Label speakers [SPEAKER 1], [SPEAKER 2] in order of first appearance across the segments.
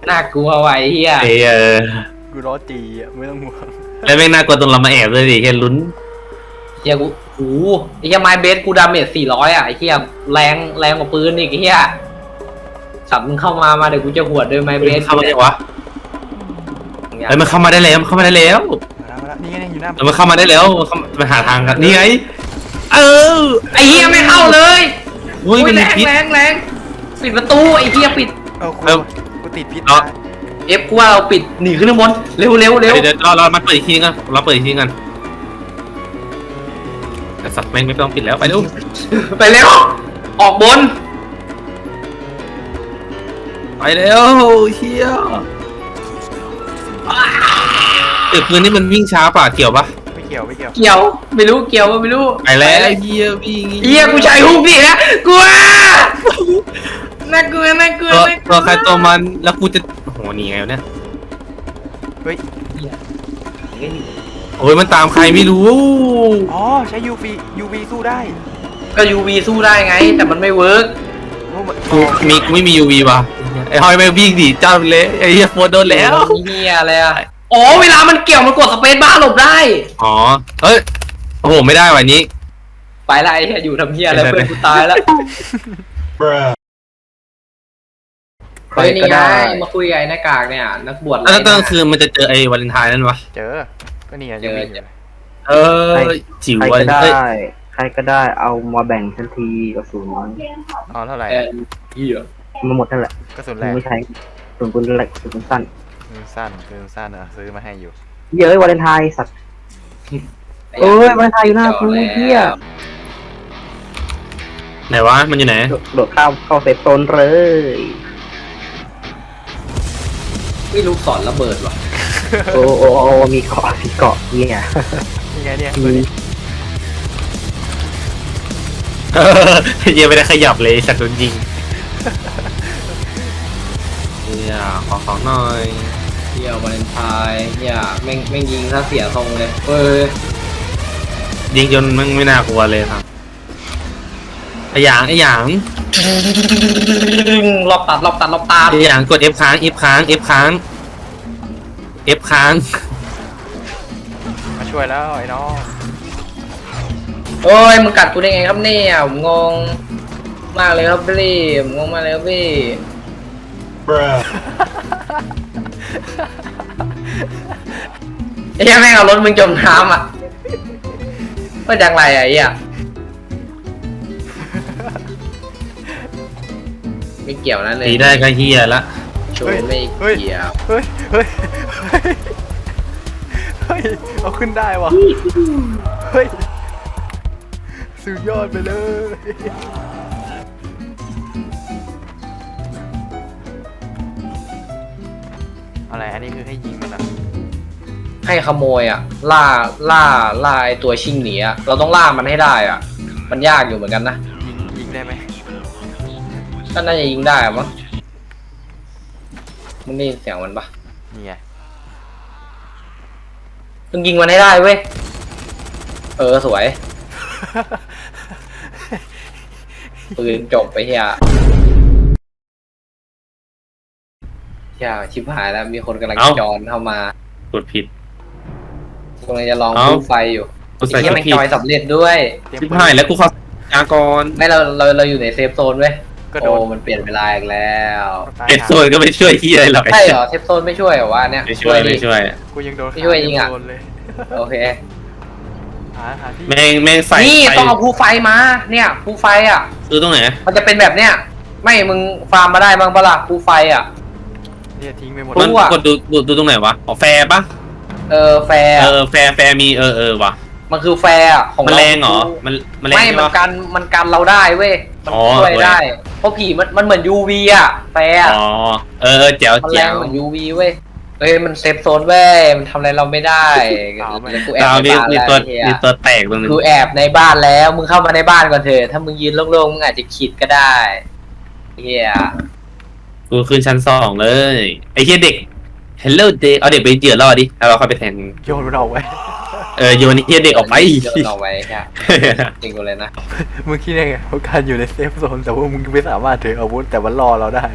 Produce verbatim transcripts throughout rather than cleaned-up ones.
[SPEAKER 1] น่ากลัวไว้เฮีย
[SPEAKER 2] ไอ้เออ
[SPEAKER 3] กูรอจีอ่ะไม่ต้องห่วง
[SPEAKER 2] แล้วแม่งน่ากลัวตรงเรามาแอบเลยดิแค่ลุ้น
[SPEAKER 1] เฮียกูโอ้โหไอ้เฮียไม้เบสกูดาเมจสี่ร้อยอ่ะไอ้เฮียแรงแรงกว่าปืนอีกไอ้เฮียสับมึงเข้ามามาเดี๋ยวกูจะหวดด้วยไม้เบส
[SPEAKER 2] เข้ามาได้วะไอ้ยมันเข้ามาได้แล้วมันเข้ามาได้แล้ว
[SPEAKER 3] มาแล้วมาแล้วนี่ไงอยู่หน้า
[SPEAKER 2] เออมันเข้ามาได้แล้วมันเข้ามันหาทางกันนี่ไงเออ
[SPEAKER 1] ไอ้เฮียไม่เข้าเลย
[SPEAKER 2] อุ้ยมัน
[SPEAKER 1] แร
[SPEAKER 2] มี
[SPEAKER 1] ง
[SPEAKER 2] พิษ
[SPEAKER 1] แรงแรงปิดประตูไอ้เฮียปิด
[SPEAKER 3] เออกู
[SPEAKER 2] เออ
[SPEAKER 3] กูติดพิษ
[SPEAKER 2] เอา
[SPEAKER 3] ตาย
[SPEAKER 1] เอฟกูว่าเราปิดหนีขึ้นข้างบนเร็วเร็วเร็ว
[SPEAKER 2] เดี๋ยวเดี๋ยวเราเรามาเปิดอีกทีนึงกันเราเปิดอีกทีนึงกันแต่สัตว์แม่งไม่ต้องปิดแล้วไปเร็ว
[SPEAKER 1] ไปเร็วออกบน
[SPEAKER 2] ไปเร็วเฮียเด็กปืนนี่มันวิ่งช้าป่ะเกี่ยวปะ
[SPEAKER 3] ไม่เกี่ยวไม่เกี่ยว
[SPEAKER 1] เกี่ยวไม่รู้เกี่ยวว่าไม่รู้
[SPEAKER 2] ไปแล้วเฮียวิ่ง
[SPEAKER 1] เฮียกูใช้ฮุกดินะกลัวน่ากลัวน่ากลัว
[SPEAKER 2] ตัว
[SPEAKER 1] น่ากลั
[SPEAKER 2] ตัวใครตัวมันแล้วกูจะโอ้โหหนีไงวะเนี่ย
[SPEAKER 3] เฮ้ย
[SPEAKER 2] โอ้ยมันตามใครไม่รู้
[SPEAKER 3] อ๋อใช้ ยู วี ยู วี สู้ได้
[SPEAKER 1] ก็ยูวีสู้ได้ไง แต่มันไม่เวิร์ก
[SPEAKER 3] โอ้มัน
[SPEAKER 2] กูมีกูไม่มี ยู วี ว่ะไอ้หอยแม่งวิ่งหนีเจ้าไปเลยไอ้เหี้ยโฟนโดนแล้ว
[SPEAKER 1] เฮียอะไรอ่ะอ๋อเวลามันเกี่ยวมันกดสเปซบ้าร์หลบได้
[SPEAKER 2] อ๋อเอ้ยโอ้โหไม่ได้วันนี้
[SPEAKER 1] ไปละไอ้เฮียอยู่ทำเฮียอะไรเพื่อนกูตายแล้วไปนี่ไงมาคุยกับไอ้หน้ากากเนี่ยนักบวช
[SPEAKER 2] แล้วตอนกลางคืนมันจะเจอไอ้วาเลนไทน์นั่นวะ
[SPEAKER 3] เจอก็นี่ไง
[SPEAKER 1] เจ
[SPEAKER 3] ยู
[SPEAKER 1] อ
[SPEAKER 3] วี
[SPEAKER 1] เจอ
[SPEAKER 2] เออจิ๋ว
[SPEAKER 4] ใคร
[SPEAKER 2] วา
[SPEAKER 4] ก็
[SPEAKER 2] เลน
[SPEAKER 4] ได้
[SPEAKER 2] เอ้ย
[SPEAKER 4] ใครก็ได้เอามาแบ่งทันทีกระสุน
[SPEAKER 3] อ๋อเท่าไหร่
[SPEAKER 1] เออเฮีย
[SPEAKER 4] มาหมดนั่นแหละ
[SPEAKER 3] กระสุน
[SPEAKER 4] มึ
[SPEAKER 3] แรง ง
[SPEAKER 4] ไม่ใช้กระสุนปืนแหลกกระสุนสั้น
[SPEAKER 3] ปืนสั้นปืนสั้นเหรอซื้อมาให้อยู่
[SPEAKER 4] เย้ยวาเลนไทน์สัตว์เอ้ยวาเลนไทน์อยู่หน้ากูเฮีย
[SPEAKER 2] ไหนวะมันอยู่ไหน
[SPEAKER 4] โดดเข้าเข้าเซฟโซนเลย
[SPEAKER 1] ไม่รู้สอนระเบิดว่ะ
[SPEAKER 4] โอ้โอ้โอ้มีเกาะมีเกาะเนี่ย
[SPEAKER 3] นี่ไงเนี่ย
[SPEAKER 4] มี
[SPEAKER 2] เออเหี้ยังไม่ได้ขยับเลยสัตว์โดนยิงเนี่ยขอของหน่อย
[SPEAKER 1] เฮียวาเลนไทน์เฮียแม่งแม่งยิงถ้าเสียทรงเลยเออ
[SPEAKER 2] ยิงจนมันไม่น่ากลัวเลยครับไอ้หยางไอ้หยาง
[SPEAKER 1] รอบตัดรอบตัดรอบตา
[SPEAKER 2] ไอ้หยางกด F ค้าง F ค้าง F ค้าง F ค้าง
[SPEAKER 3] มาช่วยแล้วไอ้น้อง
[SPEAKER 1] โอ้ยมึงกัดกูได้ไงครับเนี่ยผมงงมากเลยครับพี่ผมงงมากเลยครับพี่ไอ้เหี้ยแม่งเอารถมึงจมน้ำอ่ะว่าจังไรอ่ะไอ้เหี้ยไม่เกี่ยวนะเลย
[SPEAKER 2] ตีได้ก็เฮียละ
[SPEAKER 1] ชวนไม่เกี่ยว
[SPEAKER 3] เฮ้ยเฮ้ยเฮ้ยเฮ้ยเอาขึ้นได้วะเฮ้ยสุดยอดไปเลยอะไรอันนี้คือให้ยิงมันอ่ะ
[SPEAKER 1] ให้ขโมยอ่ะ ล่าล่าล่าไอตัวชิงหนีอ่ะเราต้องล่ามันให้ได้อ่ะ มันยากอยู่เหมือนกันนะ
[SPEAKER 3] ยิงยิงได้ไหม
[SPEAKER 1] ก็น่าจะยิงได้อะมั้งมึงได้ยินเสียงมันปะ
[SPEAKER 3] นี่ไง
[SPEAKER 1] มึงยิงมันให้ได้เว้ยเออสวยปืนจบไปเฮียเฮียชิบหายแล้วมีคนกำลังจอนเข้ามาก
[SPEAKER 2] ดผิด
[SPEAKER 1] กำลังจะลอง
[SPEAKER 2] เอ้า
[SPEAKER 1] ดูไฟอยู่
[SPEAKER 2] กูใส่
[SPEAKER 1] ไอ้
[SPEAKER 2] ก
[SPEAKER 1] เฮีย
[SPEAKER 2] ด
[SPEAKER 1] มัน
[SPEAKER 2] ผิด
[SPEAKER 1] จอยสำเร็จด้วย
[SPEAKER 3] เตรียม
[SPEAKER 2] ชิบ
[SPEAKER 3] ปืน
[SPEAKER 2] หายแล้วกูขอยากร
[SPEAKER 1] ไม่เราเราเราอยู่ในเซฟโซนเว้ย
[SPEAKER 3] ก็โด
[SPEAKER 1] โอ้
[SPEAKER 3] น
[SPEAKER 1] มันเปลี่ยนเวลาอีกแล้ว
[SPEAKER 3] ตาย
[SPEAKER 2] เอ็ดโซนก็ไม่ช่วยที่อะไรหรอก
[SPEAKER 1] ใช่เหรอเซฟโซนไม่ช่วยเหรอวะเนี่ย
[SPEAKER 2] ไม่ช่วย
[SPEAKER 1] ดิ
[SPEAKER 2] ไม่ช่วย
[SPEAKER 3] กูยังโดน
[SPEAKER 1] ไม่ช่วยยิงอะ
[SPEAKER 3] โดนเลย
[SPEAKER 1] โอเค
[SPEAKER 3] หาหาที่
[SPEAKER 2] แม่งแม่งใส่
[SPEAKER 1] นี่
[SPEAKER 2] ไฟ
[SPEAKER 1] ต้องเอาภูไฟมาเนี่ยภูไฟอ่ะ
[SPEAKER 2] คือตรงไหน
[SPEAKER 1] มันจะเป็นแบบเนี้ยไม่มึงฟาร์มมาได้บ้างปะล่ะภูไฟอ่ะ
[SPEAKER 3] เนี่ยทิ้งไปหมด
[SPEAKER 1] รู้
[SPEAKER 2] มัน
[SPEAKER 1] อะ
[SPEAKER 2] กดดูดูดูตรงไหนวะอ๋อแฟร์ปะ
[SPEAKER 1] เออแฟร์
[SPEAKER 2] เออแฟร์แฟร์มีเออเออว่ะ
[SPEAKER 1] มันคือแฟร์อะของ
[SPEAKER 2] มัน
[SPEAKER 1] เรา
[SPEAKER 2] แรงเหรอมันมันแรง
[SPEAKER 1] ไม่
[SPEAKER 2] ใช่
[SPEAKER 1] มัน
[SPEAKER 2] ปะ
[SPEAKER 1] กันมันกันเราได้เว้ยมัน
[SPEAKER 2] อ๋อ
[SPEAKER 1] ช่วย
[SPEAKER 2] เว้ย
[SPEAKER 1] ได้เพราะผีมันมันเหมือน ยู วี อ่ะแฟร์อะ
[SPEAKER 2] อ๋อเออเออแจ๋ว
[SPEAKER 1] มันแร
[SPEAKER 2] แจ๋
[SPEAKER 1] ง
[SPEAKER 2] ว
[SPEAKER 1] เหมือน ยู วี เว้ยเอ้ยมันเซฟโซนเว้ยมันทำอะไรเราไม่ได้เดี๋ยวกูแอบ
[SPEAKER 2] ดาว
[SPEAKER 1] ใน
[SPEAKER 2] มี
[SPEAKER 1] บ้าน
[SPEAKER 2] มี
[SPEAKER 1] แล้ว
[SPEAKER 2] ตัว
[SPEAKER 1] ไอ้เหี้ย
[SPEAKER 2] มีตัวแตกตรงนึง
[SPEAKER 1] กูแอบในบ้านแล้วมึงเข้ามาในบ้านก่อนเถอะถ้ามึงยืนโล่งๆมึงอาจจะขีดก็ได้เฮีย
[SPEAKER 2] กูขึ้นชั้นสองเลยไอ้เหี้ยเด็ก Hello เด็กเอาเด็กไปเจือรอดิแล้วเราค่อยไปแทน
[SPEAKER 3] โยนมันออกไว้
[SPEAKER 2] เออโยนไอ้เหี้ยเด็กออกไป
[SPEAKER 1] โยนเอาไว้ใช่จริงกูเลยนะ
[SPEAKER 3] มึงคิดยังไงว่าการอยู่ในเซฟโซนแต่ว่ามึงไม่สามารถถืออาวุธแต่มันรอเราได้วะ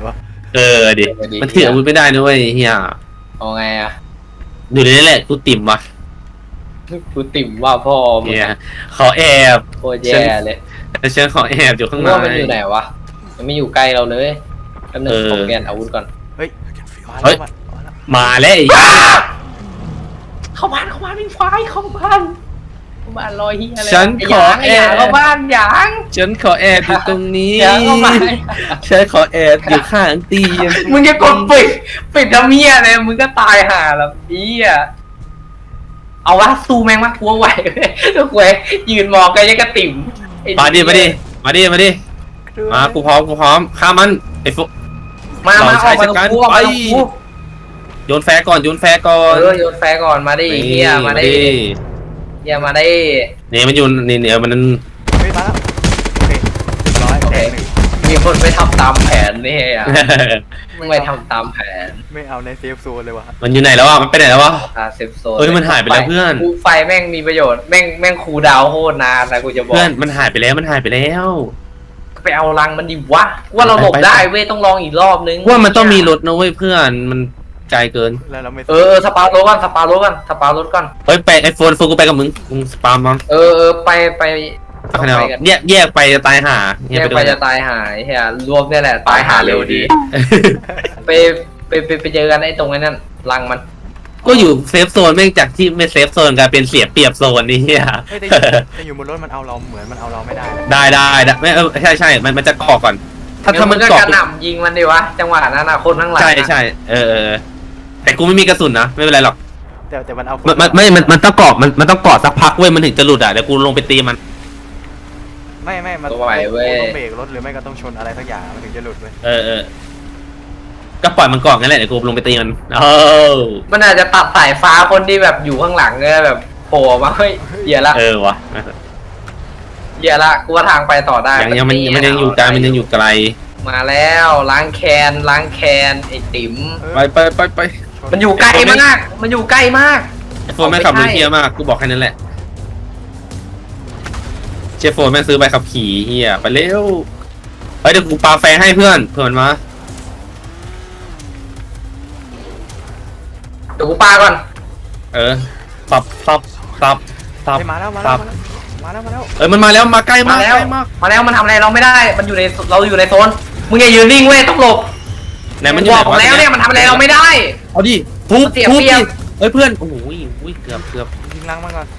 [SPEAKER 2] เออดิมันถืออาวุธไม่ได้นะเว้ยเฮีย
[SPEAKER 1] เอาไงอ่ะ
[SPEAKER 2] อยู่ในนี้แหละกูติ่มวะ
[SPEAKER 1] กูติ่มว่าพ่อมึง
[SPEAKER 2] เฮียขอแอบ
[SPEAKER 1] โคตรแย่เลย
[SPEAKER 2] แต่ฉันขอแอบอยู่ข้างใน
[SPEAKER 1] ว่ามันอยู่ไหนวะมันไม่อยู่ใกล้เราเลยแป๊บนึง
[SPEAKER 2] เออ
[SPEAKER 1] ผมเปลี่ยนอาวุธก่อน
[SPEAKER 3] เฮ้ยมา
[SPEAKER 2] เฮ้
[SPEAKER 3] แล้ว
[SPEAKER 2] ย
[SPEAKER 3] มาแล้ว
[SPEAKER 2] มาแล้วไอ้เหี้ย
[SPEAKER 1] เข้าบ้านเข้าบ้านไม่ไฟเข้าบ้านเข้าบ้านลอยเฮียอะไร
[SPEAKER 2] ฉันขอ
[SPEAKER 1] ไอ้
[SPEAKER 2] แอ
[SPEAKER 1] หยาง
[SPEAKER 2] บ
[SPEAKER 1] เข้าบ้านหยาง
[SPEAKER 2] ฉันขอแอบอยู่ตรงนี้
[SPEAKER 1] หยางเข้าบ้าน
[SPEAKER 2] ฉันขอแอบอยู่ข้างเตียง
[SPEAKER 1] มึงจะกดปิดปิดทำเมียเลยมึงก็ตายห่าแล้วอีอ่ะเอาวะสู้แม่งมากกลัวไหวทุกเว้ยยืนมองกันยังกระติ่มไอ้
[SPEAKER 2] มาดิมาดิมาดิมาดิมากูพร้อมกูพร้อมฆ่ามันไอ้ฟุ
[SPEAKER 1] มามา
[SPEAKER 2] เรา
[SPEAKER 1] อ
[SPEAKER 2] ใช้
[SPEAKER 1] อกมาตรง
[SPEAKER 2] จัดการ
[SPEAKER 1] กูออกมาตรง
[SPEAKER 2] ไป
[SPEAKER 1] กู
[SPEAKER 2] โยนแฟร์ก่อนโยนแฟร์ก่อน
[SPEAKER 1] เออโยนแฟร์ก่อนมาดิเฮียมาดิเฮียมาดิ
[SPEAKER 2] เนี่ยมันอยู่นี่เนี่ยมัน
[SPEAKER 3] เฮ้ยมาแล้วโอเคเรียบร้อยแตกหนึ่ง
[SPEAKER 1] มีคนไม่ทำตามแผนนี่อ่ะมึงไม่ทำตามแผน
[SPEAKER 3] ไม่เอาในเซฟโซนเลยว่ะ
[SPEAKER 2] มันอยู่ไหนแล้วอ่ะมันไปไหนแล้ววะ
[SPEAKER 1] อาเซฟโซน
[SPEAKER 2] เฮ้ยมันหายไปแล้วเพื่อน
[SPEAKER 1] กูไฟแม่งมีประโยชน์แม่งแม่งคูลดาวน์โคตรนานนะกูจะบอก
[SPEAKER 2] เพื่อนมันหายไปแล้วมันหายไปแล้ว
[SPEAKER 1] ไปเอารังมันดิวะว่าเราหลบ
[SPEAKER 2] ไปไป
[SPEAKER 1] ได้เว้ยต้องลองอีกรอบนึง
[SPEAKER 2] ว่ามันต้องมีรถนะเว้ยเพื่อนมันไกลเกิน
[SPEAKER 3] แล้วเราไม่
[SPEAKER 1] เออเออสปาร์รถก่อนสปาร์รถก่อนสปาร์รถก่อน
[SPEAKER 2] เฮ้ยไปไอโฟนโฟนกูไปกับมึงมึงสปามมั้ง
[SPEAKER 1] เออเออไปไป
[SPEAKER 2] เอาคะแนน
[SPEAKER 1] ไปกัน
[SPEAKER 2] แยกแยกไปจะตายห่า
[SPEAKER 1] แยกไปจะตายหายเฮียรวมเนี่ยแหละตายหาเร็วดี ไปไปไปไปเจอกันไอ้ตรงนั้นรังมัน
[SPEAKER 2] ก็อยู่เซฟโซนแม่งจากที่ไม่เซฟโซนกลายเป็นเสียเปรียบโซนนี่เฮีย
[SPEAKER 3] เฮ้ยแต่อยู่แต่อยู่บนรถมันเอาเราเหมือนมันเอาเราไม่ได้เลย
[SPEAKER 2] ได้ได้ได้ไม่เออใช่ใช่มันมันจะเกาะก่อน ถ้าถ้ามัน
[SPEAKER 1] ก็
[SPEAKER 2] เกาะ
[SPEAKER 1] กระหน่ำยิงมันดิวะจังหวะนั้นนะคนข้างหลัง
[SPEAKER 2] ใช่ใช่เออเออแต่กูไม่มีกระสุนนะไม่เป็นไรหรอก
[SPEAKER 3] แต่แต่มันเอาค
[SPEAKER 2] มันมันไม่มันมันต้องเกาะมันมันต้องเกาะสักพักเว้ยมันถึงจะหลุดอ่ะเดี๋ยวกูลงไปตีมัน
[SPEAKER 3] ไม่ไม่มัน
[SPEAKER 1] ตัวไหวเว้ย
[SPEAKER 3] ต้องเบรกรถหรือไม่ก็ต้องชนอะไรสักอย่างมันถึงจะหลุดเว้ย
[SPEAKER 2] เออเออก็ปล่อยมันเกาะงั้นแหละเดี๋ยวกูลงไปตีมันเออ
[SPEAKER 1] มันอาจจะตัดสายฟ้าคนที่แบบอยู่ข้างหลังเนี่ยแบบโผล่มาเฮ้ยเหี้ยละ
[SPEAKER 2] เออวะ
[SPEAKER 1] เหี้ยละกูว่าทางไปต่อได้
[SPEAKER 2] ยังยังมันมันยังอยู่ไกลมันยังอยู่ไกล
[SPEAKER 1] มาแล้วล้างแคนล้างแคนไอ้ติ๋ม
[SPEAKER 3] เออ
[SPEAKER 2] ไปไปไปไป
[SPEAKER 3] ช
[SPEAKER 1] มันอยู่ใกล้มากมันอยู่ใกล้มาก
[SPEAKER 2] ไอโฟนแม่งขับรถเฮียมากกูบอกแค่นั้นแหละเชฟโฟนแม่งซื้อใบขับขี่เฮียไปเร็วเฮ้ยเดี๋ยวกูปาแฟร์ให้เพื่อนเพื่อนมา
[SPEAKER 1] เดี๋ยวกูปาก่อน
[SPEAKER 2] เออสับสับสับสับ
[SPEAKER 3] เฮ้ยมาแล้วมา
[SPEAKER 2] ครั
[SPEAKER 3] แล้ว
[SPEAKER 2] บ
[SPEAKER 3] มาแล้วมาแล้ว
[SPEAKER 2] เอ้ยมันมาแล้วมาใกล้
[SPEAKER 1] มา
[SPEAKER 2] มา
[SPEAKER 1] แล้ว
[SPEAKER 2] ใกล้มาก
[SPEAKER 1] มาแล้วมันทำอะไรเราไม่ได้ มันอยู่ในเราอยู่ในโซนมึงอย่ายืนนิ่งเว้ยต้องหลบ
[SPEAKER 2] ไหนมันอยู่
[SPEAKER 1] บ
[SPEAKER 2] ไห
[SPEAKER 1] อน ก
[SPEAKER 2] วะ
[SPEAKER 1] แล้วเนี่ยมันทำอะไรเราไม่ได้
[SPEAKER 2] เอาดิทุบ
[SPEAKER 1] เสีย
[SPEAKER 2] ทุบ
[SPEAKER 1] เปรี
[SPEAKER 2] ดิ
[SPEAKER 1] ยบ
[SPEAKER 2] เอ้ยเพื่อนโอ้โหอุ้ยเกือบเกือบ
[SPEAKER 3] ยิงลังมันก่อน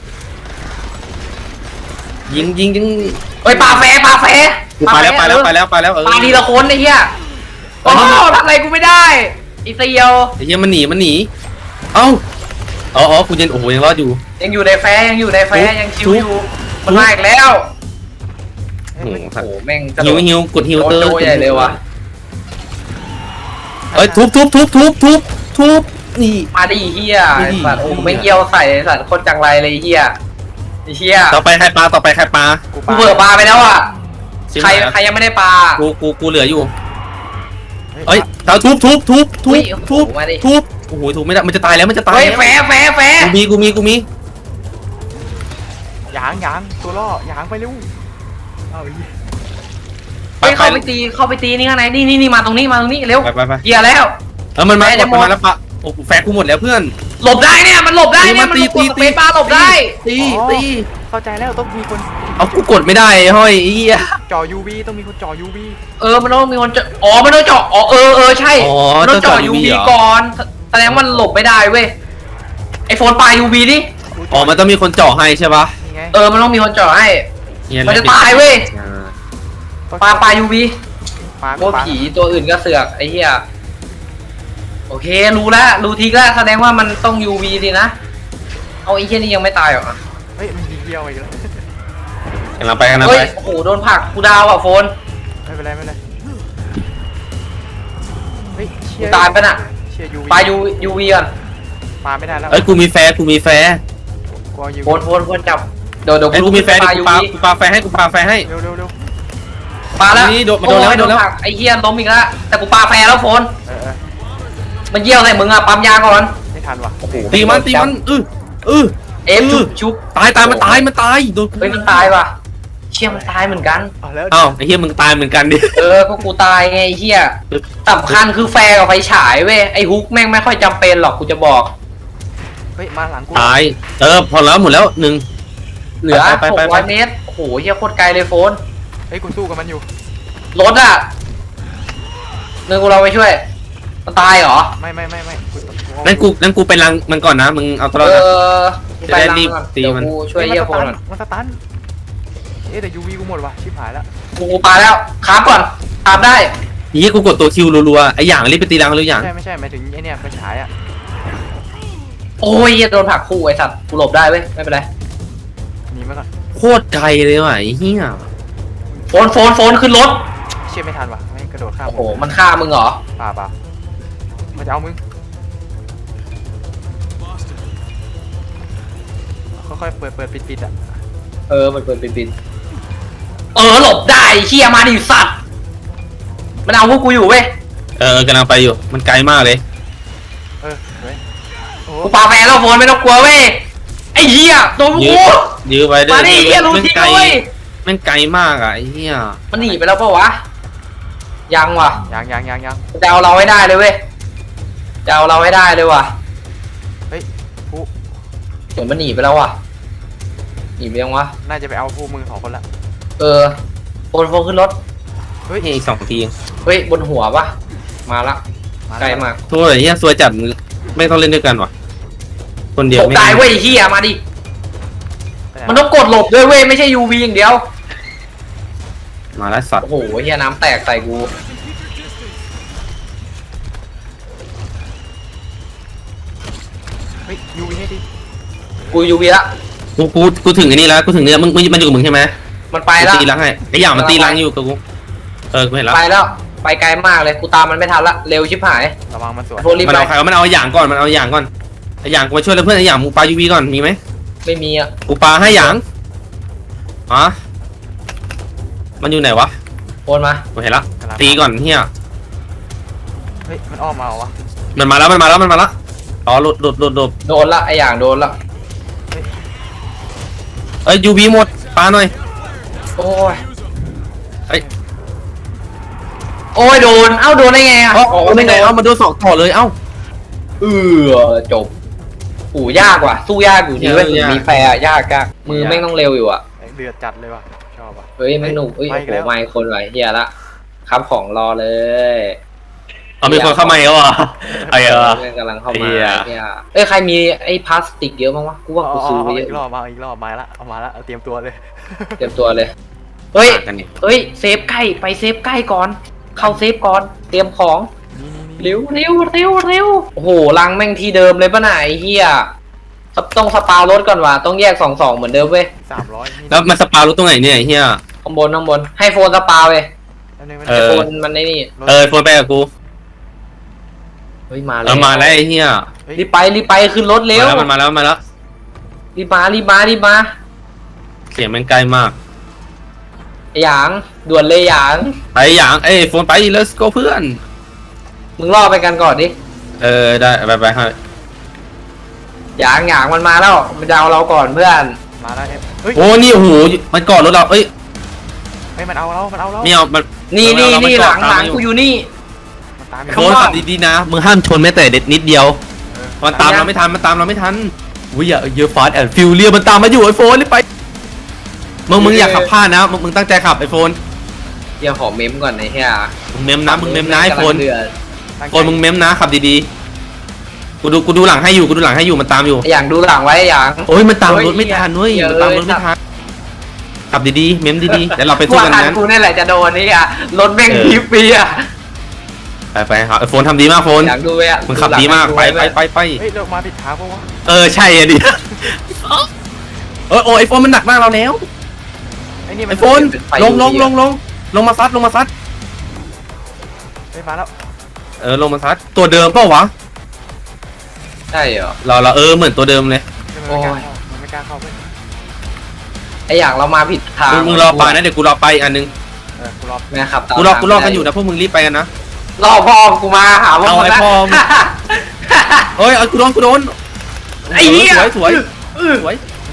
[SPEAKER 2] ยิงยิงยิง
[SPEAKER 1] เฮ้ยปาแฟปาแฟ
[SPEAKER 2] กูไปแล้วไปแล้วไปแล้วไปแล้วเออ
[SPEAKER 1] ปาทีละคนไอ้เหี้ยโอ้โหทำอะไรกูไม่ได้อีเซียว
[SPEAKER 2] ไอ้เหี้ยมันหนีมันหนีเอ้าอ๋ออ๋อกูยังโอ้โหยังรอดอยู่
[SPEAKER 1] ยังอยู่ในแฟยังอยู่ในแฟยังชิวอยู่
[SPEAKER 2] ทุบ
[SPEAKER 1] มันมาอีกแล้ว
[SPEAKER 3] เฮ้ย
[SPEAKER 2] โอ้
[SPEAKER 3] มัน
[SPEAKER 2] โห
[SPEAKER 1] โอ้โหแม่งกระโด
[SPEAKER 2] ฮิว
[SPEAKER 1] ด
[SPEAKER 2] ฮิวกดฮิว
[SPEAKER 1] โด
[SPEAKER 2] เตอร์
[SPEAKER 1] โดใหญ่เลยว่ะ
[SPEAKER 2] เอ้ยทุบทุบทุบทุบทุบทุบนี่
[SPEAKER 1] มาดิเฮีย
[SPEAKER 2] นี่
[SPEAKER 1] ไอ้สัตว์โอ้โหไม่งเยี่ยวใส่ไอ้สัตว์คนจังไรเลยเฮียไอ้เฮีย
[SPEAKER 2] ต่อไปใครปลาต่อไปใครปลา
[SPEAKER 3] กู
[SPEAKER 1] กูเบิกปลาไปแล้วอ่ะ
[SPEAKER 2] ชิบ
[SPEAKER 1] ใคร
[SPEAKER 2] หายแล้ว
[SPEAKER 1] ใครยังไม่ได้ปลา
[SPEAKER 2] กูกูกูเหลืออยู่
[SPEAKER 3] เฮ้
[SPEAKER 2] เอ้
[SPEAKER 3] ย
[SPEAKER 2] ยเราทุบทุบทุบทุ
[SPEAKER 1] อุ้
[SPEAKER 2] บ
[SPEAKER 1] ย
[SPEAKER 2] ทุบ
[SPEAKER 1] โอ้โหมาดิ
[SPEAKER 2] ทุบโอ้โหถูกไม่ได้มันจะตายแล้วมันจะตาย
[SPEAKER 1] เฮ้ย
[SPEAKER 2] แล้ว
[SPEAKER 1] แฟแฟแฟ
[SPEAKER 2] กูมีกูมีกูมี
[SPEAKER 3] ยางยางตัวล่อยางไปเร็วเอาอีก
[SPEAKER 1] เฮ้ยเข้าไปตีเข้าไปตีนี่ข้างในนี่นี่นี่มาตรงนี้มาตรงนี้เร็ว
[SPEAKER 2] ไปไปไป
[SPEAKER 1] เฮียแล้ว
[SPEAKER 2] เออมันมา
[SPEAKER 1] แม่จะ
[SPEAKER 2] มัน
[SPEAKER 1] หม
[SPEAKER 2] มา
[SPEAKER 1] ด
[SPEAKER 2] แล้วปะโอ้โหแฟร์กูหมดแล้วเพื่อน
[SPEAKER 1] หลบได้เนี่ยมันหลบได้เนี่ย
[SPEAKER 2] มา
[SPEAKER 1] มัน
[SPEAKER 2] ตี
[SPEAKER 1] ก
[SPEAKER 2] ตี
[SPEAKER 1] ดส
[SPEAKER 2] ตี
[SPEAKER 1] เปซบาร์หลบได้
[SPEAKER 2] ตี
[SPEAKER 3] อ๋อ
[SPEAKER 2] ตี
[SPEAKER 3] เข้าใจแล้วต้องมีคน
[SPEAKER 2] เอากูกดไม่ได้เฮ้ยไอ้เหี้ย
[SPEAKER 3] จ่อ ยู วี ต้องมีคนจ่อ ยู วี
[SPEAKER 1] เออมันต้องมีคนเจาะอ๋อมันต้องเจาะอ๋อเออเออใช่
[SPEAKER 2] อ๋อ
[SPEAKER 1] มันต้องเจาะ
[SPEAKER 2] ต้องเจาะ
[SPEAKER 1] ยู
[SPEAKER 2] ยู
[SPEAKER 1] วี
[SPEAKER 2] วีเหรอ
[SPEAKER 1] ก่อนแสดงว่ามันหลบไม่ได้เว้ยไอโฟนปลายูวีดิ
[SPEAKER 2] อ๋อมันต้องมีคนเจาะให้ใช่ปะ
[SPEAKER 3] นี่ไง
[SPEAKER 1] เออมันต้องมีคนเจาะให้
[SPEAKER 2] เหี้ย
[SPEAKER 1] มันจะตายเว้ย
[SPEAKER 2] อ่า
[SPEAKER 3] ต้อง
[SPEAKER 1] ปลาปลายูวี
[SPEAKER 3] ปลา
[SPEAKER 1] โอ้
[SPEAKER 3] ปลา
[SPEAKER 1] ผีตัวอื่นก็เสือกไอ้เหี้ยโอเครู้แล้วรู้ทีแล้วแสดงว่ามันต้อง ยู วี สินะเอาไอ้เหี้ยนี่ยังไม่ตายเหรอ
[SPEAKER 3] เฮ้ยมันยิงเดียวอีกแล้ว
[SPEAKER 2] กำลังไปกำลัง
[SPEAKER 1] เฮ้
[SPEAKER 2] ไป
[SPEAKER 1] ยโอ้โหโดนผลักกูดาวอ่ะโฟน
[SPEAKER 3] ไม่เป็นไรไม่เป็นไรเฮ้ยเชี
[SPEAKER 1] กู
[SPEAKER 3] ยร์
[SPEAKER 1] ตายไปน่ะ
[SPEAKER 3] เชียร์ ยู วี
[SPEAKER 1] ปลายูยูวีก่อน
[SPEAKER 3] ปลาไม่ได้แล้ว
[SPEAKER 2] เอ้ยกูมีแฟร์กูมีแฟร์
[SPEAKER 3] กลัว ยู
[SPEAKER 1] โฟนโฟนโฟนจับเดี๋ยวเดี๋ยว
[SPEAKER 2] ไอ้ยกูมีแฟร์
[SPEAKER 1] ป
[SPEAKER 2] ดิ
[SPEAKER 1] ลา
[SPEAKER 2] กู
[SPEAKER 1] ยู
[SPEAKER 2] ปา
[SPEAKER 1] วี
[SPEAKER 2] กูปาแฟร์ให้กูปาแฟร์ให้
[SPEAKER 3] เร็วเร็วเร็ว
[SPEAKER 1] ปลาแล้ว
[SPEAKER 2] นี่โดนมันโดนแล้ว
[SPEAKER 1] อ้ย
[SPEAKER 2] โดนแล้ว
[SPEAKER 1] ผกไอ้เหี้ยล้มอีกแล้วแต่กูปลาแฟร์แล้วโฟน
[SPEAKER 3] เออเออ
[SPEAKER 1] มันเยี่ยวใส่มึงอ่ะปั๊มยาก่อน
[SPEAKER 3] ไม่ทันว่ะ
[SPEAKER 2] ตีมันตีมันเออเออ
[SPEAKER 1] เอฟชุบชุบ
[SPEAKER 2] ตายตายมันตายมันตายโดน
[SPEAKER 1] เฮ้ยมันตายว่ะเชชี่ยมันตายเหมือนกัน
[SPEAKER 3] เอาแล้ว
[SPEAKER 2] เอ้าไอ้เหี้ยมึงตายเหมือนกันดิ
[SPEAKER 1] เออก็กูตายไงไอ้เฮียสำคัญคือแฟร์กับไฟฉายเว้ยไอ้ฮุกแม่งไม่ค่อยจำเป็นหรอกกูจะบอก
[SPEAKER 3] เฮ้ยมาหลังกู
[SPEAKER 2] ตายเออพอแล้วหมดแล้วหนึ่ง
[SPEAKER 1] เหลือ
[SPEAKER 2] ไป
[SPEAKER 1] ห
[SPEAKER 2] ไป
[SPEAKER 1] ก
[SPEAKER 2] ไป
[SPEAKER 1] ร้อยเมตรโอ้โหเฮียโคตรไกลเลยโฟน
[SPEAKER 3] เฮ้ยกูสู้กับมันอยู่
[SPEAKER 1] รถอะเนื้อกูเราไปช่วยมันตายเหรอ
[SPEAKER 3] ไม่ไม่ไม่ไม่กู
[SPEAKER 2] นั่นกูนั่นกูไปรังมันก่อนนะมึงเอาตัวรอ
[SPEAKER 1] เอ
[SPEAKER 2] ดนะ
[SPEAKER 1] อมึงไป
[SPEAKER 2] จะได้
[SPEAKER 1] รัง
[SPEAKER 2] รีบ
[SPEAKER 1] ก่อน
[SPEAKER 2] ตี
[SPEAKER 1] เดี๋ยว
[SPEAKER 2] มัน
[SPEAKER 1] กูช่วยเฮียโฟนก่อน
[SPEAKER 3] มันสตันเอ๊ะแต่ยูวีกูหมดว่ะชิบหายแล้ว
[SPEAKER 1] กูกูปาแล้วคราฟก่อนคราฟได้
[SPEAKER 2] เหี้ยกูกดตัวคิวรัวๆไอ้อย่างรีบไปตีรังหรืออย่าง
[SPEAKER 3] ไม่ใช่ไม่ใช่หมายถึงไอ้เนี่ยไฟฉายอ่ะ
[SPEAKER 1] โอ้ยเฮียโดนผลักคู่ไอ้สัตว์กูหลบได้เว้ยไม่เป็นไร
[SPEAKER 3] หนีมาก่อน
[SPEAKER 2] โคตรไกลเลยว่ะไอ้เหี้ย
[SPEAKER 1] โฟนโฟนโฟนขึ้นรถ
[SPEAKER 3] เชี่ยไม่ทันว่ะไม่กระโดดข้าม
[SPEAKER 1] โอ้โหมันฆ่ามึงเหรอ
[SPEAKER 3] ป่าป่ามันจะเอามึงค่อยๆเปิดเปิดปิดปิดอ่ะ
[SPEAKER 1] เออมันเปิดปิดปิดเออหลบได้เฮียมาดิสัตว์มันเอาพวกกูอยู่เว้ย
[SPEAKER 2] เออกำลังไปอยู่มันไกลมากเลย
[SPEAKER 3] เออเฮ้ยโอ้
[SPEAKER 1] กูปาแฟนแล้วโฟนไม่ต้องกลัวเว้ยไอ้เหี้ยตัวพวก
[SPEAKER 2] ยื้
[SPEAKER 1] กู
[SPEAKER 2] อยื้อไว้เด้
[SPEAKER 1] มา
[SPEAKER 2] อ
[SPEAKER 1] ดิเหี้ยรู้
[SPEAKER 2] แม่ง
[SPEAKER 1] จริง
[SPEAKER 2] ไกล
[SPEAKER 1] เว้ย
[SPEAKER 2] แม่งไกลมากอ่ะไอ้เหี้ย
[SPEAKER 1] มันหนีไปแล้วปะวะยังว่ะ
[SPEAKER 3] ยังยังยังยัง
[SPEAKER 1] จะเอาเราให้ได้เลยเว้ยจะเอาเราให้ได้เลยว่ะ
[SPEAKER 3] เฮ้ยกู
[SPEAKER 1] เหมือนมันหนีไปแล้วว่ะหนีไปยังวะ
[SPEAKER 3] น่าจะไปเอาพวกมึงสองคนละ
[SPEAKER 1] เออโฟนโฟนขึ้นรถ
[SPEAKER 3] เฮ้ย
[SPEAKER 2] เฮ้ยอีกสองที
[SPEAKER 1] เฮ้ยบนหัวปะมาละไกลมาก
[SPEAKER 2] ตัวไอ้เหี้ยสวยจัดไม่ต้องเล่นด้วยกันว่ะคนเดียว
[SPEAKER 1] ตก
[SPEAKER 2] ไม่
[SPEAKER 1] ตายเว้ยไอ้เหี้ยมาดิมันต้องกดหลบด้วยเว้ยไม่ใช่ ยู วี อย่างเดียว
[SPEAKER 2] มาแล้วสัตว์
[SPEAKER 1] โอ้โหเหี้ยน้ำแตกใส่กู
[SPEAKER 3] เฮ้ยยูวีให้ดิ
[SPEAKER 1] กู ยู วี ละ
[SPEAKER 2] กูกูกูถึงไอ้นี่แล้วกูถึงเนี่ยมึงมึงมันอยู่กับมึงใช่ไหม
[SPEAKER 1] มันไป
[SPEAKER 2] กู
[SPEAKER 1] แล้ว
[SPEAKER 2] ตีรังให้ไอ้อย่างมันตีรังอยู่กับกูเออกูเห็นแล้ว
[SPEAKER 1] ไปแล้วไปไกลมากเลยกูตามมันไม่ทันละเร็วชิบหาย
[SPEAKER 3] ระวังมันสวน
[SPEAKER 1] โฟนรีบ
[SPEAKER 2] มัน
[SPEAKER 1] ไป
[SPEAKER 2] เอาใครวะมันเอาอย่างก่อนมันเอาอย่างก่อนไอ้อย่างกูมาช่วยแล้วเพื่อนไอ้อย่างมึงปายูวีก่อนมีไหม
[SPEAKER 1] ไม่มีอ่ะ
[SPEAKER 2] กูปาให้อย่างอ๋อมันอยู่ไหนวะ
[SPEAKER 1] โอนมา
[SPEAKER 2] กูเห็นแล้วตีก่อนเฮีย
[SPEAKER 3] เฮ้ยมันอ้อมมาเหรอวะ
[SPEAKER 2] มันมาแล้วมันมาแล้วมันมาแล้วอ๋อหลุดหลุดหลุดหลุด
[SPEAKER 1] โดนละไออย่างโดนละ
[SPEAKER 2] เอ้ยยูวีหมดปาหน่อย
[SPEAKER 1] โอ้ย
[SPEAKER 2] เอ้ย
[SPEAKER 1] โอ้ยโดนเอ้าโดนได้ไงอ่ะ
[SPEAKER 2] เอ้าเอาไม่ไงเอ้ามาโดนสองต่อเลยเอ้า
[SPEAKER 1] เออจบโอ้ยากว่ะสู้ยากอยู่ดีเว้ย
[SPEAKER 2] ยาก
[SPEAKER 1] มีแฟร์อะยากยากมือแม่งต้องเร็วอยู่อ่ะ
[SPEAKER 3] เดือดจัดเลยว่ะชอบว่ะ
[SPEAKER 1] เฮ้ยแม่งหนุกเอ้ย
[SPEAKER 3] ไป
[SPEAKER 1] โอ้
[SPEAKER 3] อี
[SPEAKER 1] โห
[SPEAKER 3] กแล้ว
[SPEAKER 1] ไม่คนไหวเฮียละครับของรอเลย
[SPEAKER 2] เอามีคนเข้ามาแล้วอ่ะไอ้เออ
[SPEAKER 1] แม่งกำลังเข้า
[SPEAKER 2] เหี้
[SPEAKER 1] มาย เฮียเอ้ยใครมีไอ้พลาสติกเยอะมั้งวะกูว่า
[SPEAKER 3] เอา
[SPEAKER 1] กู
[SPEAKER 3] เอา
[SPEAKER 1] ซื้อไป
[SPEAKER 3] เอา
[SPEAKER 1] เย
[SPEAKER 3] อีกรอ
[SPEAKER 1] อะ
[SPEAKER 3] บมาอีกรอบมาละเอามาละเอาเตรียมตัวเลย
[SPEAKER 1] เตรียมตัวเลยเฮ้ย
[SPEAKER 2] กันนี่
[SPEAKER 1] เฮ้ยเซฟใกล้ไปเซฟใกล้ก่อน เข้าเซฟก่อนเตรียมของ
[SPEAKER 3] นี่นี่นี่
[SPEAKER 1] เร็วเร็วเร็วเร็วโอ้โหรังแม่งที่เดิมเลยป่ะน่ะไอ้เฮียต้องสปารถก่อนว่ะต้องแยกสองสองเหมือนเดิมเว้ย
[SPEAKER 3] สามร้อยนี่
[SPEAKER 2] แล้วมันสปารู้ตรงไหนเนี่ยไอ้เฮีย
[SPEAKER 1] ข้างบนข้างบนให้โฟนสปาเว้ย
[SPEAKER 3] อันนึงมัน
[SPEAKER 2] เอ
[SPEAKER 1] ให้
[SPEAKER 2] อ
[SPEAKER 1] โฟนมันในนี่
[SPEAKER 2] เออโฟนไปกับกู
[SPEAKER 1] เฮ้ยมาแล้
[SPEAKER 2] เอ
[SPEAKER 1] ว
[SPEAKER 2] อมาแล้วไอ้เฮีย
[SPEAKER 3] เฮ้ย
[SPEAKER 1] รีบไปรีบไปขึ้นรถเร็ว
[SPEAKER 2] มาแล้วมันมาแล้วมาแล้ว
[SPEAKER 1] รีบมารีบมารีบมา
[SPEAKER 2] เสียงมันไกลมาก
[SPEAKER 1] ไอ้หยางด่วนเลยหยาง
[SPEAKER 2] ไปอย่างเอ้ยโฟนไป let's go เพื่อน
[SPEAKER 1] มึงล่อไปกันก่อนดิ
[SPEAKER 2] เออได้ไปไปให้
[SPEAKER 1] หยางหยางมันมาแล้วมันจะเอาเราก่อนเพื่อน
[SPEAKER 3] มาแล้วเอ็มเฮ้ย
[SPEAKER 2] โอ้นี่โอ้โหมันกอดรถเราเอ้ย
[SPEAKER 3] เฮ้ยมันเอาเรามันเอาเรา
[SPEAKER 2] ไม่เอามัน
[SPEAKER 1] นี่นี่
[SPEAKER 2] เรา
[SPEAKER 1] นี่
[SPEAKER 2] เรา
[SPEAKER 1] หลัง
[SPEAKER 2] ตาม
[SPEAKER 1] หลัง
[SPEAKER 2] อยู่
[SPEAKER 1] กูอยู่นี่
[SPEAKER 3] มันตาม
[SPEAKER 2] โฟนขับดีๆนะมึงห้ามชนแม้แต่เด็ดนิดเดียวมันตามเราไม่ทันมันตามเราไม่ทันอุ้ยอย่าเยอะฟาสแอนด์ฟิวเรียมันตามมาอยู่ไอโฟนรีบไปมึงมึงอยากขับพลาดนะมึงมึงตั้งใจขับไอโฟน
[SPEAKER 1] เดี๋ยวขอเมมก่อนไอ้เหี้ย
[SPEAKER 2] มึงเมมนะมึงเมมนะไอโฟน
[SPEAKER 1] กำลังเดือด
[SPEAKER 2] โฟนมึงเมมนะขับดีๆกูดูกูดูหลังให้อยู่กูดูหลังให้อยู่มันตามอยู่
[SPEAKER 1] ไอ้หยางดูหลังไว้ไอ้หยาง
[SPEAKER 2] โอ้ยมันตาม
[SPEAKER 1] เฮ้ย
[SPEAKER 2] รถไม่ทันเว้ย
[SPEAKER 1] เหี้ย
[SPEAKER 2] มันตามรถไม่ทันขับดีๆเมมดีๆเดี๋ยวเราไปสู้
[SPEAKER 1] ว่า
[SPEAKER 2] กัน
[SPEAKER 1] ทัน
[SPEAKER 2] นั้น
[SPEAKER 1] กูนี่แหละจะโดนนี่อ่ะรถแม่ง
[SPEAKER 2] เออ
[SPEAKER 1] ทิปปีอ่ะ
[SPEAKER 2] ไปไปครับไอโฟนทำดีมากโฟน
[SPEAKER 1] อยากดูไว้อ่ะ
[SPEAKER 2] มึงขับดีมากไปไปไปไป
[SPEAKER 3] เฮ้ยเรามาผิดทางปะวะ
[SPEAKER 2] เออใช่อะดิเออโอ้ไอโฟนมันหนักมากเราแล้ว
[SPEAKER 3] ไอ้นี่
[SPEAKER 2] ไอ
[SPEAKER 3] มัน
[SPEAKER 2] โฟนลงลงลงลงลงมาซัดลงมาซัด
[SPEAKER 3] เฮ้ยมาแล้ว
[SPEAKER 2] เออลงมาซัดตัวเดิมเปล่าวะ
[SPEAKER 1] ใช่เหรอ
[SPEAKER 2] เราเราเออเหมือนตัวเดิมเลย
[SPEAKER 3] มันไม่กล้าเข้ามันไม่กล้าเข้าเว้ย
[SPEAKER 1] ไอ้หยางเรามาผิดทาง
[SPEAKER 2] มึงมึงรอไปนะเดี๋ยวกูรอไปอีกอันนึง
[SPEAKER 3] เออกูรอ
[SPEAKER 1] แม่ขับตาม
[SPEAKER 2] กูรอ
[SPEAKER 1] ทาง
[SPEAKER 2] กูรอกันอยู่นะพวกมึงรีบไปกันนะ
[SPEAKER 1] รอพ่อกูมาหาว่า
[SPEAKER 2] เอาไอ้
[SPEAKER 1] นะ
[SPEAKER 2] พ่อมึง เฮ้ยเอากูโดนกูโดน
[SPEAKER 1] ไอ้เหี้ย
[SPEAKER 2] สวยสวย
[SPEAKER 1] เออ
[SPEAKER 2] สวย
[SPEAKER 3] มันเ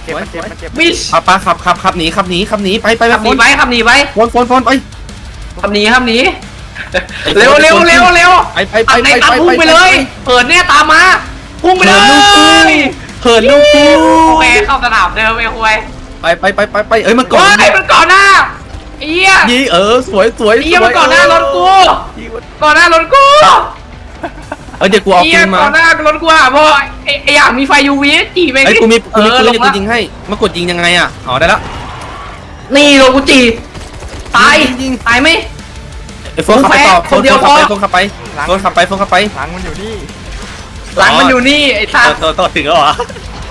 [SPEAKER 3] จ็บมันเจ็บมันเจ็บ
[SPEAKER 1] มิช
[SPEAKER 2] ขับปะขับขับขับหนีขับหนีขับหนีไปไปไป
[SPEAKER 1] ขับหนีไปขับหนีไป
[SPEAKER 2] โฟนโฟนโฟนไป
[SPEAKER 1] ขับหนีขับหนีเร็วเร็วเร็วเร็ว
[SPEAKER 2] ไปไปไป
[SPEAKER 1] ขับในตามพุ่งไปเลยเปิดเนี่ยตามมาพุ่งไป
[SPEAKER 2] เหิ
[SPEAKER 1] เล
[SPEAKER 2] นลูกกู
[SPEAKER 1] ย
[SPEAKER 2] เหินลูกกู
[SPEAKER 1] โอเคเข้าสนามเดิมไอ้คุย
[SPEAKER 2] ไปไปไปไปไปเอ้ยมันก่อน
[SPEAKER 1] เฮ้ยมันก่อนหน้าไอ้เหี้ย
[SPEAKER 2] ยี่เออสวยสวย
[SPEAKER 1] ไอ้เหี้ยมันก่อนหน้ารถกูก่อนหน้ารถกู
[SPEAKER 2] เอ้ยเดี๋ยวกูเอา
[SPEAKER 1] ไอ้
[SPEAKER 2] ปื
[SPEAKER 1] เหี้ย
[SPEAKER 2] นมา
[SPEAKER 1] ก่อนหน้ารถกูอ่ะเพราะไอ้ไอ้อย่างมีไฟ ยู วี จีไป
[SPEAKER 2] ไอ้ยกูมีกูมี
[SPEAKER 1] เอ
[SPEAKER 2] ปื
[SPEAKER 1] อน ล
[SPEAKER 2] เดี๋ย
[SPEAKER 1] ง
[SPEAKER 2] วกู
[SPEAKER 1] ละ
[SPEAKER 2] ยิงให้มากดยิงยังไงอ่ะอ๋อได้ละ
[SPEAKER 1] นี่ลงกูจีตาย
[SPEAKER 2] ยิง
[SPEAKER 1] ตายไหม
[SPEAKER 2] ไอ้โฟนขับไปต่อโฟ
[SPEAKER 1] คน
[SPEAKER 2] น
[SPEAKER 1] เดียว
[SPEAKER 2] ขับไป
[SPEAKER 1] พอ
[SPEAKER 2] โฟนขับไปโฟนขับไปโฟนขับไป
[SPEAKER 3] หลังมันอยู่นี่
[SPEAKER 1] หลังมันอยู่นี่ไอ้สัตว์
[SPEAKER 2] ต่อต่อถึงแล้วเหรอ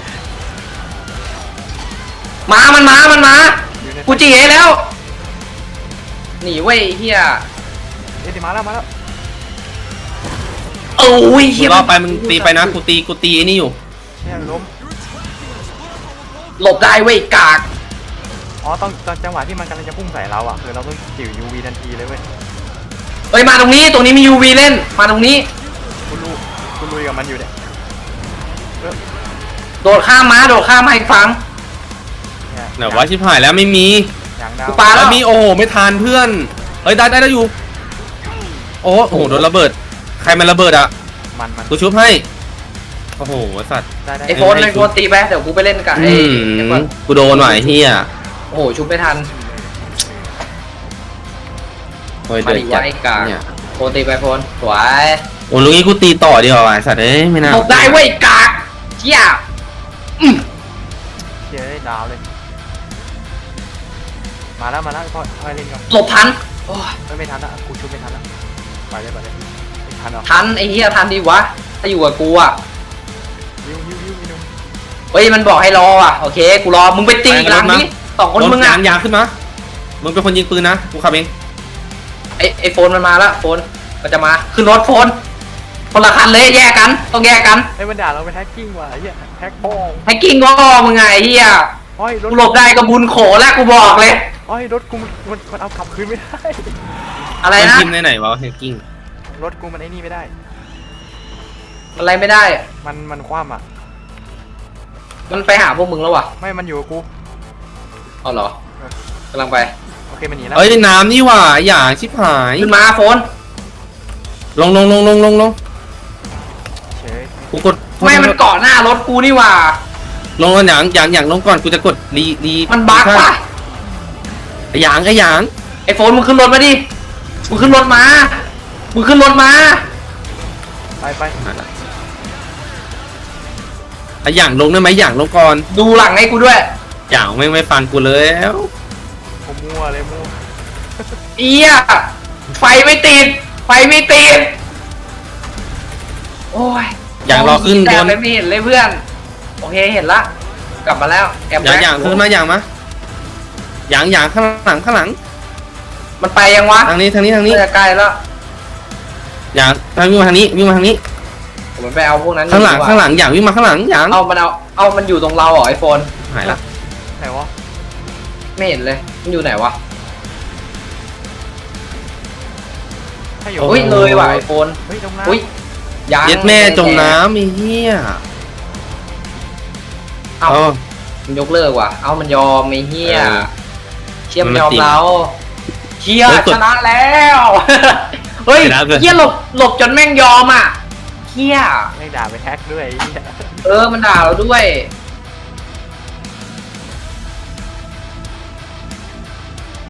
[SPEAKER 1] มามันมามันมากูจีให้แล้วหนีเว้ยไอ้เหี้ย
[SPEAKER 3] เอ็ดมาแล้วมาแล้ว
[SPEAKER 1] โอ้ย
[SPEAKER 2] มึ
[SPEAKER 1] เหี้ย
[SPEAKER 2] งรอไปมึงตีไปนะกูตีกูตีไอ้นี่อยู่
[SPEAKER 3] เนี่ยล้ม
[SPEAKER 1] หลบได้เว้ยกาก
[SPEAKER 3] อ๋อต้องตอนจังหวะที่มันกำลังจะพุ่งใส่เราอ่ะคือเราต้องจิ๋ว ยู วี ทันทีเลยเว้ย
[SPEAKER 1] เอ้ยมาตรงนี้ตรงนี้มี ยู วี เล่นมาตรงนี้
[SPEAKER 3] กูลุยกูลุยกับมันอยู่เนี่ยเออ
[SPEAKER 1] โดดข้ามม้าโดดข้ามมาอีกฝั่ง
[SPEAKER 3] เนี่ย
[SPEAKER 2] ไหนวะชิบหายแล้วไม่มี
[SPEAKER 3] อย่างดาว
[SPEAKER 1] กูปา
[SPEAKER 2] แล้วมีโอ้โหไม่ทานเพื่อนเฮ้ยได้ได้ได้อยู่โอ้โหโดนระเบิดใครมันระเบิดอ่ะ
[SPEAKER 3] มันมัน
[SPEAKER 2] กูชุบให้โอ้โหสัตว์
[SPEAKER 3] ได้ได้
[SPEAKER 1] ไอ้โฟนไอ้โฟนตีไปเดี๋ยวกูไปเล่นกับไอ้
[SPEAKER 2] อื
[SPEAKER 1] ไอ้
[SPEAKER 2] ม
[SPEAKER 1] คน
[SPEAKER 2] กูโดนว่ะไอ้เฮีย
[SPEAKER 1] โอ้โหชุบไม่ทัน
[SPEAKER 2] โอ้ย
[SPEAKER 1] มา
[SPEAKER 2] เดือ
[SPEAKER 1] ดิ
[SPEAKER 2] ดจั
[SPEAKER 1] วะ
[SPEAKER 2] ด
[SPEAKER 1] ไอ้กาก
[SPEAKER 2] เนี่ย
[SPEAKER 1] โฟนตีไปโฟนสวย
[SPEAKER 2] โอ้ลุงนี้กูตีต่อดีกว่าว่ะไอ้สัตว์เอ้ยไม่น่า
[SPEAKER 1] หลบได้เว้ยกากเหี้ยอืม
[SPEAKER 3] เจ๊ดาวเลย มาแล้วมาแล้วพ่อพ่อเล่นกัน
[SPEAKER 1] หลบทันโอ้ย
[SPEAKER 3] ไม่ไม่ทันละกูชุบไม่ทันละไปเลยไปเลยไม่ทันหรอก
[SPEAKER 1] ทันไอ้เหี้ยทันดีวะถ้าอยู่กับกูอ่ะ
[SPEAKER 3] วิววิววิววิว
[SPEAKER 1] เฮ้ยมันบอกให้รออ่ะโอเคกูรอมึงไปตีอีกหลังนี้สองคนมึงอ่ะ
[SPEAKER 2] ยางยางขึ้นมามึงเป็นคนยิงปืนนะกูขับเอง
[SPEAKER 1] ไอ้ไอ้โฟนมันมาละโฟนมันจะมาขึ้นรถโฟนคนละคันเลยแยกกันต้องแยกกัน
[SPEAKER 3] ไอ้มันด่าเราไปแท็กกิ้งว่ะไอ้เหี้ยแท็กบ้อง
[SPEAKER 1] ให้กิ้งก็มึงไงไอ้เหี้ย
[SPEAKER 3] โอ้ยรถ
[SPEAKER 1] กูหลบได้ก็บุญโขแล้วกูบอกเลย
[SPEAKER 3] โอ้ยรถกูมันมันมันเอาขับคืนไม่ได้
[SPEAKER 1] อะไร
[SPEAKER 2] มัน
[SPEAKER 1] นะ
[SPEAKER 2] ทีมไหนๆวะแฮกกิ้ง
[SPEAKER 3] รถกูมันไอ้นี่ไม่ได้
[SPEAKER 1] อะไรไม่ได้
[SPEAKER 3] มันมันคว่ำอ่ะ
[SPEAKER 1] มันไปหาพวกมึงแล้ววะ
[SPEAKER 3] ไม่มันอยู่กับกู
[SPEAKER 1] เอาเหรอกำลังไป
[SPEAKER 3] โอเคมันหนีแล้ว
[SPEAKER 2] เอ้ยน้ำนี่หว่าอย่าชิบหาย
[SPEAKER 1] ขึ้นมาโฟน
[SPEAKER 2] ลงลงลงลงลงลง
[SPEAKER 3] เฉย
[SPEAKER 2] กูกด
[SPEAKER 1] ไม่มันเกาะหน้ารถกูนี่หว่า
[SPEAKER 2] ลงก่อนอย่างอย่างอย่างลงก่อนกูจะกดรีรี
[SPEAKER 1] มันบั๊กปะ
[SPEAKER 2] ไอ้หยางไอ้หยาง
[SPEAKER 1] ไอ้โฟนมึงขึ้นรถมาดิมึงขึ้นรถมามึงขึ้นรถมา
[SPEAKER 3] ไปไป
[SPEAKER 2] ไอ้หยางลงได้ไหมหยางลงก่อน
[SPEAKER 1] ดูหลังให้กูด้วย
[SPEAKER 2] หยางไม่ไม่ฟังกูเลยแล้ว
[SPEAKER 3] ผมมั่วเลยมั่ว
[SPEAKER 1] เอี้ยไฟไม่ติดไฟไม่ติดโอ้ย
[SPEAKER 2] หยางรอขึ้นบ
[SPEAKER 1] แต่
[SPEAKER 2] น
[SPEAKER 1] ไม่เห็นเลยเพื่อนโอเคเห็นละกลับมาแล้วแอม
[SPEAKER 2] หยางหยางขึ้นมาหยางมาหยางหยางข้างหลังข้างหลัง
[SPEAKER 1] มันไปยังวะ
[SPEAKER 2] ทางนี้ทางนี้ทางนี้
[SPEAKER 1] จะใกล้แล้ว
[SPEAKER 2] หยางทางวิ่งมาทางนี้วิ่งมาทางนี้
[SPEAKER 1] ผมไปเอาพวกนั้น
[SPEAKER 2] ข้างหลัง
[SPEAKER 1] ดีกว่
[SPEAKER 2] ข้างหลังหยางวิ่งมาข้างหลังหยาง
[SPEAKER 1] เอามันเอาเอามันอยู่ตรงเราเหรอไอโฟน
[SPEAKER 2] หายละ
[SPEAKER 3] ไหนวะ
[SPEAKER 1] ไม่เห็นเลยมันอยู่ไหนวะ
[SPEAKER 3] ให้อยู่
[SPEAKER 1] เฮ้ยเลยว่ะไอโฟน
[SPEAKER 3] เฮ้ยตรงนั้น
[SPEAKER 1] อุ้ยยัง
[SPEAKER 2] เย็ดแม่จมน้ำไอ้เหี้ย
[SPEAKER 1] เอา
[SPEAKER 2] เอา
[SPEAKER 1] มันยกเลิกว่ะเอามันยอมไอ้เหี้ย
[SPEAKER 2] เออ
[SPEAKER 1] เชี่ยมัน
[SPEAKER 2] มัน
[SPEAKER 1] ยอม
[SPEAKER 2] ติด
[SPEAKER 1] เราเชี่ย
[SPEAKER 2] เฮ้ยกด
[SPEAKER 1] ชนะแล้วเฮ้ย
[SPEAKER 2] ชนะเลย
[SPEAKER 1] เชี่ยหลบหลบจนแม่งยอมอ่ะเชี่ย
[SPEAKER 3] ไม่ด่าไปแท็กด้วยไอ้เหี้ย
[SPEAKER 1] เออมันด่าเราด้วย
[SPEAKER 3] เ